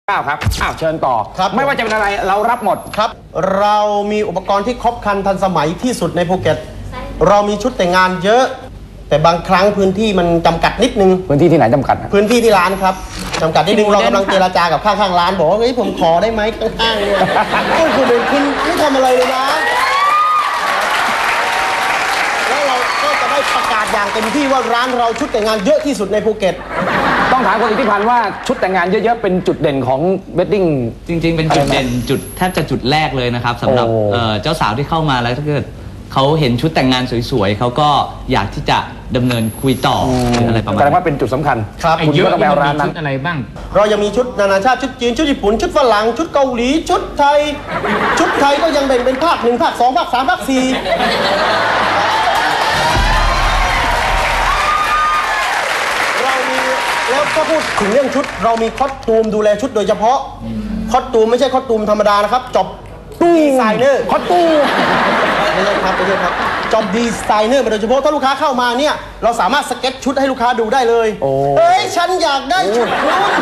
ครับเชิญต่อครับไม่ว่าจะเป็นอะไรเรารับหมดครับเรามีอุปกรณ์ที่ครบครันทันสมัยที่สุดในภูเก็ตเรามีชุดแต่งงานเยอะ แต่บางครั้งพื้นที่มันจำกัดนิดนึงพื้นที่ที่ไหนจำกัดพื้นที่ที่ร้านครับจำกัดนิดนึงเรากำลังเจรจากับข้างๆร้านบอกว่าเฮ้ยผมขอได้ไหมข้างๆเนี่ยคุณไม่ทำอะไรเลยนะแล้วเราก็จะได้ประกาศอย่างเต็มที่ว่าร้านเราชุดแต่งงานเยอะที่สุดในภูเก็ตต้องถามคุณอิทธิพันธ์ว่าชุดแต่งงานเยอะๆเป็นจุดเด่นของเวดดิ้งจริงๆเป็นจุดเด่นแทบจะจุดแรกเลยนะครับสำหรับเจ้าสาวที่เข้ามาแล้วถ้าเกิดเขาเห็นชุดแต่งงานสวยๆเขาก็อยากที่จะดำเนินคุยต่อหรืออะไรประมาณแสดงว่าเป็นจุดสำคัญครับคุณก็ต้องไปเอาร้านนั้นอะไรบ้างเรายังมีชุดนานาชาติชุดจีนชุดญี่ปุ่นชุดฝรั่งชุดเกาหลีชุดไทยก็ยังแบ่งเป็นภาค1ภาค2ภาค3ภาค4เรามีแล้วถ้าพูดถึงเรื่องชุดเรามีคอสตูมดูแลชุดโดยเฉพาะคอสตูมไม่ใช่คอสตูมธรรมดานะครับจบดีไซเนอร์คอสตูมไม่ใช่ครับจอบดีไซเนอร์มาโดยเฉพาะถ้าลูกค้าเข้ามาเนี่ยเราสามารถสเก็ตชุดให้ลูกค้าดูได้เลยเฮ้ยฉันอยากได้ชุดนู้น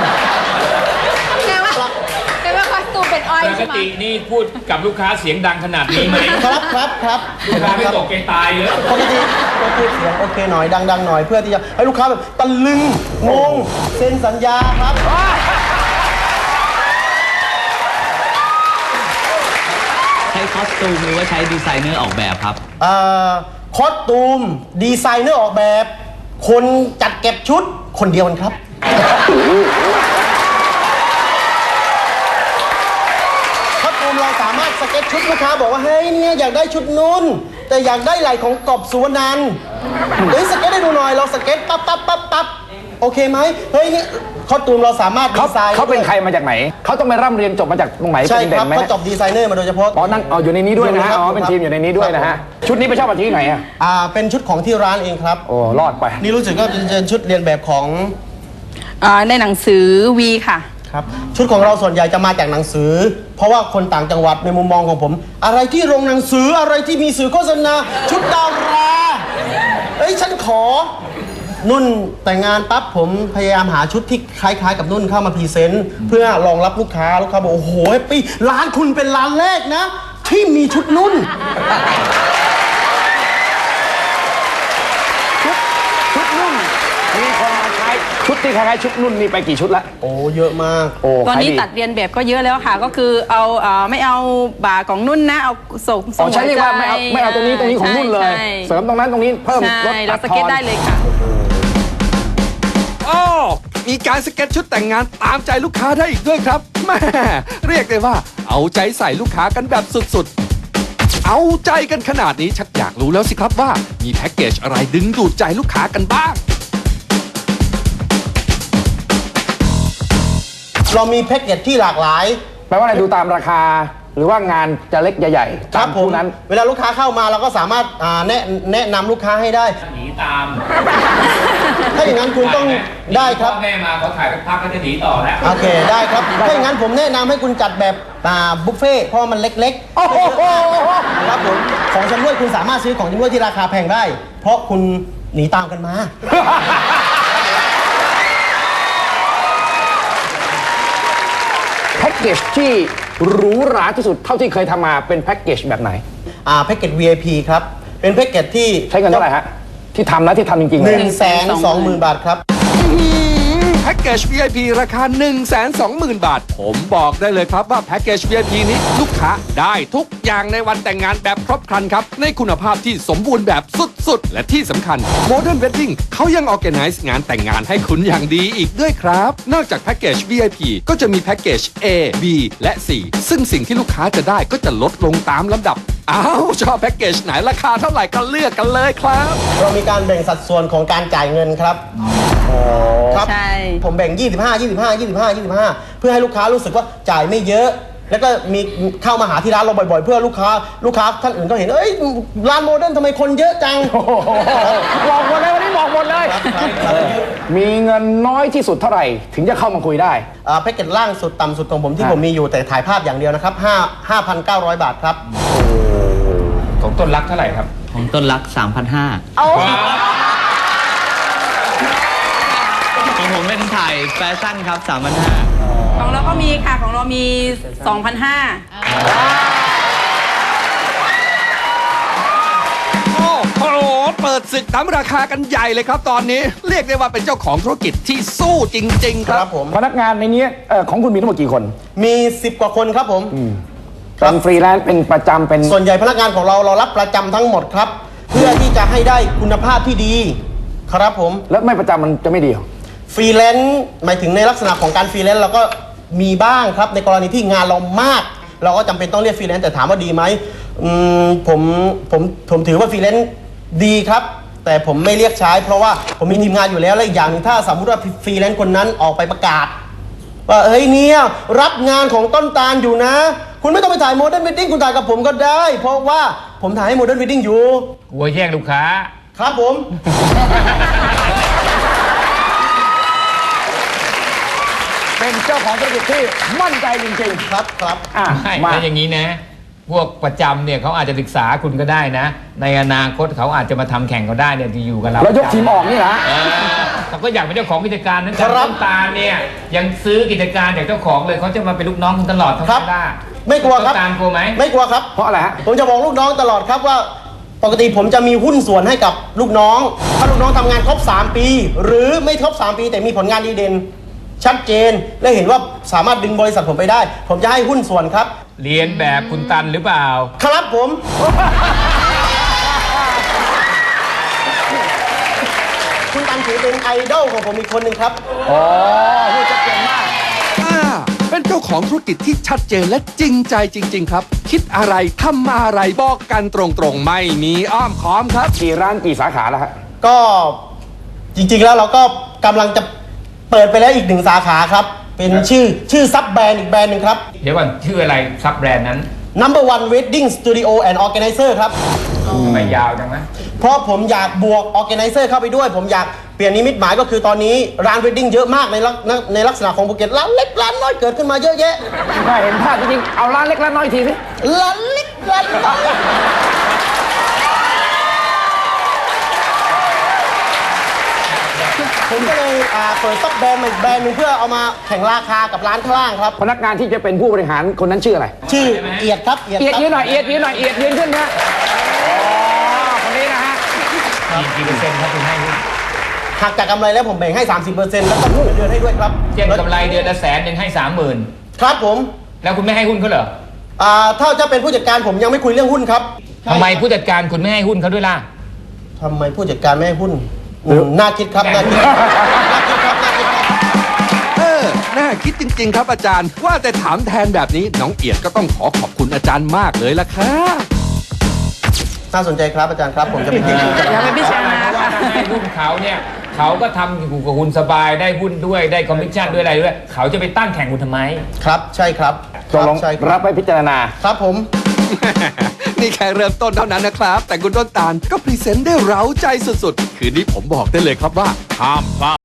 แต่ว่าคอสตูมเป็นอ้อยใช่ไหมปกตินี่พูดกับลูกค้าเสียงดังขนาดนี้ไหมครับลูกค้าไม่ตกใจตายเลยปกติเราพูดเสียงโอเคหน่อยดังๆหน่อยเพื่อที่จะให้ลูกค้าแบบตะลึงงงเซ็นสัญญาครับใช้คอสตูมหรือว่าใช้ดีไซเนอร์ออกแบบครับคอสตูมดีไซเนอร์ออกแบบคนจัดเก็บชุดคนเดียวกันครับคอสตูมเราสามารถสเก็ตชุดลูกค้าบอกว่าเฮ้ยเนี่ยอยากได้ชุดนู้นแต่อยากได้ไหล่ของกบสุวรรณันท์เฮ้ยสเก็ตให้ดูหน่อยเราสเก็ตปั๊บโอเคไหมเฮ้ยนี่คอสตูมเราสามารถดีไซน์เขาเป็นใครมาจากไหนเขาต้องไปร่ำเรียนจบมาจากตรงไหนใช่ครับเขาจบดีไซเนอร์มาโดยเฉพาะนั่งอยู่ในนี้ด้วยนะฮะเป็นทีมอยู่ในนี้ด้วยนะฮะชุดนี้ไปเช่ามาที่ไหนเป็นชุดของที่ร้านเองครับโอ้รอดไปนี่รู้สึกว่าเป็นชุดเรียนแบบของในหนังสือวีค่ะครับชุดของเราส่วนใหญ่จะมาจากหนังสือเพราะว่าคนต่างจังหวัดในมุมมองของผมอะไรที่โรงหนังสืออะไรที่มีสื่อโฆษณาชุดดาราฉันขอนุ่นแต่งงานปั๊บผมพยายามหาชุดที่คล้ายๆกับนุ่นเข้ามาพรีเซนต์เพื่อรองรับลูกค้าบอกโอ้โหปีร้านคุณเป็นร้านแรกนะที่มีชุดนุ่นชุดนุ่นมีคนมาใช้ชุดที่คล้ายๆชุดนุ่นมีไปกี่ชุดละโอ้เยอะมากตอนนี้ตัดเรียนแบบก็เยอะแล้วค่ะก็คือเอาไม่เอาบ่าของนุ่นนะเอาส่งใช้เรียกว่าไม่เอาตรงนี้ของนุ่นเลยเสริมตรงนั้นตรงนี้เพิ่มลดเราสเก็ตได้เลยค่ะมีการสเก็ตชุดแต่งงานตามใจลูกค้าได้อีกด้วยครับแม่เรียกได้ว่าเอาใจใส่ลูกค้ากันแบบสุดๆเอาใจกันขนาดนี้ชักอยากรู้แล้วสิครับว่ามีแพ็กเกจอะไรดึงดูดใจลูกค้ากันบ้างเรามีแพ็กเกจที่หลากหลายแปลว่าอะไรดูตามราคาหรือว่างานจะเล็กใหญ่ๆครับผมนั้นเวลาลูกค้าเข้ามาเราก็สามารถแนะนำลูกค้าให้ได้หนีตามถ้าอย่างนั้นคุณต้องได้ครับแม่มาเขาถ่ายพักก็จะหนีต่อแล้วโอเคได้ครับถ้าอย่างนั้นผมแนะนำให้คุณจัดแบบบุฟเฟ่เพราะมันเล็กๆครับผมของชำร่วยคุณสามารถซื้อของชำร่วยที่ราคาแพงได้เพราะคุณหนีตามกันมาแพ็กเกจที่หรูหราที่สุดเท่าที่เคยทำมาเป็นแพ็กเกจแบบไหนแพ็กเกจ VIP ครับเป็นแพ็กเกจที่ใช้เงินเท่าไหร่ฮะที่ทำจริงๆเลย 120,000 บาทครับแพ็กเกจ VIP ราคา 120,000 บาทผมบอกได้เลยครับว่าแพ็กเกจ VIP นี้ลูกค้าได้ทุกอย่างในวันแต่งงานแบบครบครันครับในคุณภาพที่สมบูรณ์แบบสุดๆและที่สำคัญ Modern Wedding เขายัง Organize งานแต่งงานให้คุณอย่างดีอีกด้วยครับนอกจากแพ็กเกจ VIP ก็จะมีแพ็กเกจ A B และ C ซึ่งสิ่งที่ลูกค้าจะได้ก็จะลดลงตามลำดับชอบแพ็กเกจไหนราคาเท่าไหร่ก็เลือกกันเลยครับเรามีการแบ่งสัดส่วนของการจ่ายเงินครับครับผมแบ่ง25 เพื่อให้ลูกค้ารู้สึกว่าจ่ายไม่เยอะแล้วก็มีเข้ามาหาที่ร้านเราบ่อยๆเพื่อลูกค้าท่านอื่นก็เห็นร้านโมเดิร์นทำไมคนเยอะจังบอกหมดเลยวันนี้บอกหมดเลยมีเงินน้อยที่สุดเท่าไหร่ถึงจะเข้ามาคุยได้แพ็กเกจล่างสุดต่ำสุดของผมที่ผมมีอยู่แต่ถ่ายภาพอย่างเดียวนะครับ5,900 บาทครับของต้นรักเท่าไหร่ครับของต้นรัก 3,500ของผมเป็นถ่ายแฟชั่นครับ 3,500 ของของเราก็มีค่ะของเรามี 2,500 โอ้โหเปิดศึกทำราคากันใหญ่เลยครับตอนนี้ เรียกได้ว่าเป็นเจ้าของธุรกิจที่สู้จริง ๆ คครัรับ บผมพนักงานในนี้ของคุณมีทั้งหมดกี่คนมี10 กว่าคนครับผมเป็นฟรีแลนซ์เป็นประจำเป็นส่วนใหญ่พนักงานของเรารับประจำทั้งหมดครับ เพื่อที่จะให้ได้คุณภาพที่ดี ครับผมแล้วไม่ประจำมันจะไม่ดีเหรอฟรีแลนซ์หมายถึงในลักษณะของการฟรีแลนซ์เราก็มีบ้างครับในกรณีที่งานเรามาก เราก็จำเป็นต้องเรียกฟรีแลนซ์แต่ถามว่าดีไหมผมถือว่าฟรีแลนซ์ดีครับ แต่ผมไม่เรียกใช้ เพราะว่าผมมีทีมงานอยู่แล้วและอีกอย่างหนึงถ้าสมมติว่าฟรีแลนซ์คนนั้นออกไปประกาศว่าเฮ้ยเนี่ยรับงานของต้นตาลอยู่นะ คุณไม่ต้องไปถ่ายโมเดิร์นวีดดิ้งคุณถ่ายกับผมก็ได้ เพราะว่าผมถ่ายให้โมเดิร์นวีดดิ้งอยู่กลัวแย่งลูกค้าครับผมเป็นเจ้าของธุรกิจที่มั่นใจจริงครับครับๆอ่ะไม่มาแล้วอย่างนี้นะ พวกประจำเนี่ยเขาอาจจะศึกษาคุณก็ได้นะ ในอนาคตเขาอาจจะมาทำแข่งก็ได้เนี่ยที่อยู่กับเราแล้วยกทีมออกนี่นะเขาก็อยากเป็นเจ้าของกิจการนั้นแต่ครับต้นตาลเนี่ยยังซื้อกิจการจากเจ้าของเลยเขาจะมาเป็นลูกน้องคุณตลอดทั้งครับนั้นได้ไม่กลัวครับต้นตาลกลัวไหมไม่กลัวครับเพราะอะไรฮะผมจะบอกลูกน้องตลอดครับว่าปกติผมจะมีหุ้นส่วนให้กับลูกน้อง ถ้าลูกน้องทำงานครบ 3 ปี หรือไม่ครบ 3 ปี แต่มีผลงานดีเด่นชัดเจน และเห็นว่าสามารถดึงบริษัทผมไปได้ ผมจะให้หุ้นส่วนครับเรียนแบบคุณตันหรือเปล่าครับผม คุณตันถือเป็นไอดอลของผมอีกคนหนึ่งครับอ๋อพูดชัดเจนมากเป็นเจ้าของธุรกิจที่ชัดเจนและจริงใจจริง ๆ ครับ คิดอะไรทำอะไรบอกกันตรงๆ ไม่มีอ้อมค้อมครับกี่ร้านกี่สาขาแล้วฮะก็จริงๆแล้วเราก็กำลังจะเปิดไปแล้วอีก 1 สาขาครับ เป็นชื่อซับแบรนด์อีกแบรนด์หนึ่งครับเดี๋ยวก่อนชื่ออะไรซับแบรนด์นั้น Number One Wedding Studio and Organizer ครับทำไมยาวจังนะเพราะผมอยากบวก Organizer เข้าไปด้วย ผมอยากเปลี่ยนนิมิตหมายก็คือตอนนี้ร้าน Wedding เยอะมากในลักษณะของภูเก็ตร้านเล็กร้านน้อยเกิดขึ้นมาเยอะแยะถ้าเห็นภาพจริงๆเอาร้านเล็กร้านน้อยทีสิร้านเล็กร้านน้อยผมก็เลยเปิดซับแบรนด์มาอีกแบรนด์หนึงเพื่อเอามาแข่งราคากับร้านข้างล่างครับพนักงานที่จะเป็นผู้บริหารคนนั้นชื่ออะไรชื่อเอียดครับเอียดเอียดครับยืนหน่อยเอียดยืนหน่อยเอียดยืนขึ้นนะอ๋อคนนี้นะฮะกี่เปอร์เซ็นต์ครับคุณให้หุ้นหักจากกำไรแล้วผมแบ่งให้ 30%แล้วก็พูดเดือนให้ด้วยครับเช่นกำไรเดือนละ100,000ยังให้30,000 ครับผมแล้วคุณไม่ให้หุ้นเขาเหรอถ้าจะเป็นผู้จัดการผมยังไม่คุยเรื่องหุ้นครับทำไมผู้จัดการคุณไม่ให้หุ้นเขาด้วยล่ะทำไมผู้จัดการไม่ให้หุ้นน่าคิดครับน่าคิดน่าคิดครับน่าคิดครับน่าคิดจริง ๆ ครับอาจารย์ ว่าแต่ถามแทนแบบนี้น้องเอียดก็ต้องขอบคุณอาจารย์มากเลยล่ะครับน่าสนใจครับอาจารย์ครับ ผมจะไปคิดดูอย่าไปพิจารณาเพราะว่าค่ะถ้าให้หุ้นเขาเนี่ยเขาก็ทำอยู่กับคุณสบายได้หุ้นด้วยได้คอมมิชชั่นด้วยอะไรด้วย เขาจะไปตั้งแข่งคุณทำไมครับใช่ครับตกลงใช่ครัรับบ ไปพิจารณาครับผมนี่แค่เริ่มต้นเท่านั้นนะครับ แต่คุณต้นตาลก็พรีเซนต์ได้เร้าใจสุดๆ คืนนี้ผมบอกได้เลยครับว่าห้ามพลาด